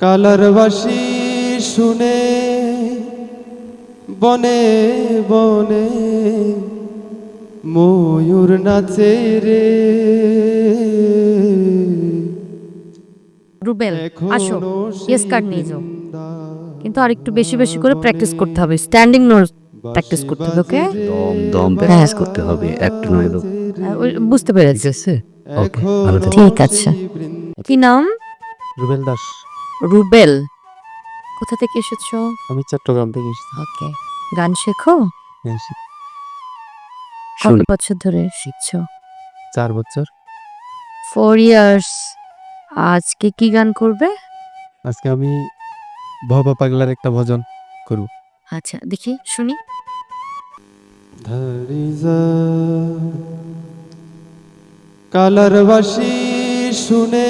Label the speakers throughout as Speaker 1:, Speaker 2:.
Speaker 1: Colour বাঁশি শুনে বনে বনে ময়ূর নাচে রে।
Speaker 2: রুবেল আসো, ইয়েস কার্ড নিয়ে যাও, কিন্তু আর একটু বেশি বেশি করে প্র্যাকটিস করতে হবে। স্ট্যান্ডিং নোট প্র্যাকটিস করতে হবে, ওকে?
Speaker 3: দম দম প্র্যাকটিস করতে হবে, একটু নয় তো।
Speaker 2: বুঝতে পেরেছি।
Speaker 3: ঠিক আছে, ওকে, ভালো থেকো।
Speaker 2: ঠিক আছে। কি নাম?
Speaker 3: রুবেল দাস।
Speaker 2: রুবেল। কোথা থেকে এসেছো?
Speaker 3: আমি চট্টগ্রাম থেকে এসেছি।
Speaker 2: ওকে। গান শেখো?
Speaker 3: হ্যাঁ,
Speaker 2: কত
Speaker 3: শুনি।
Speaker 2: বছর ধরে শিখছো?
Speaker 3: 4 বছর।
Speaker 2: 4 ইয়ার্স। আজকে কি গান করবে?
Speaker 3: আজকে আমি ভবা পাগলার একটা ভজন করব।
Speaker 2: আচ্ছা, দেখি শুনি।
Speaker 1: ধরিজা কালার বাঁশি শুনে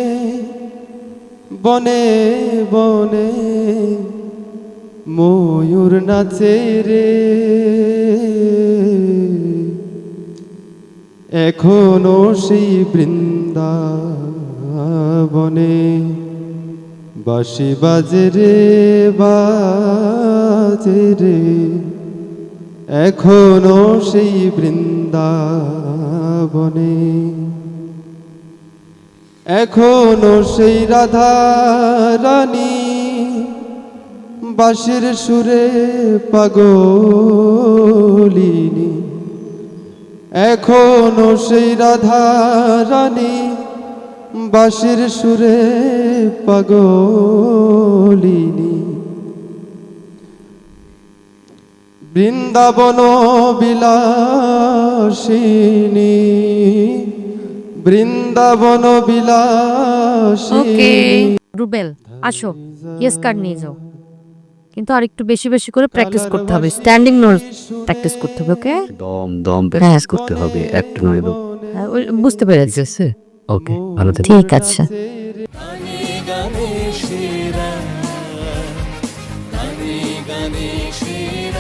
Speaker 1: বনে বনে ময়ূর নাচে রে। এখনো সেই বৃন্দাবনে বাঁশি বাজে রে বাজে রে। এখনো সেই বৃন্দাবনে, এখনো সেই রাধা রানী বাঁশির সুরে পাগলিনী। এখনো সেই রাধা রানী বাঁশির সুরে পাগলিনী। বৃন্দাবন বিলাসিনী, বৃন্দাবন
Speaker 2: ওকে
Speaker 1: বিলাসিনী।
Speaker 2: রুবেল আসো, ইয়েস কার্ড নিয়ে যাও, কিন্তু আর একটু বেশি বেশি করে প্র্যাকটিস করতে হবে। স্ট্যান্ডিং নোট প্র্যাকটিস করতে হবে, ওকে?
Speaker 3: দম দম প্র্যাকটিস করতে হবে, একটু নয় তো।
Speaker 2: বুঝতে পেরেছি।
Speaker 3: ঠিক আছে, ওকে, ভালো থেকো।
Speaker 2: ঠিক আছে।
Speaker 4: গানে গানে সেরা, গানে গানে সেরা।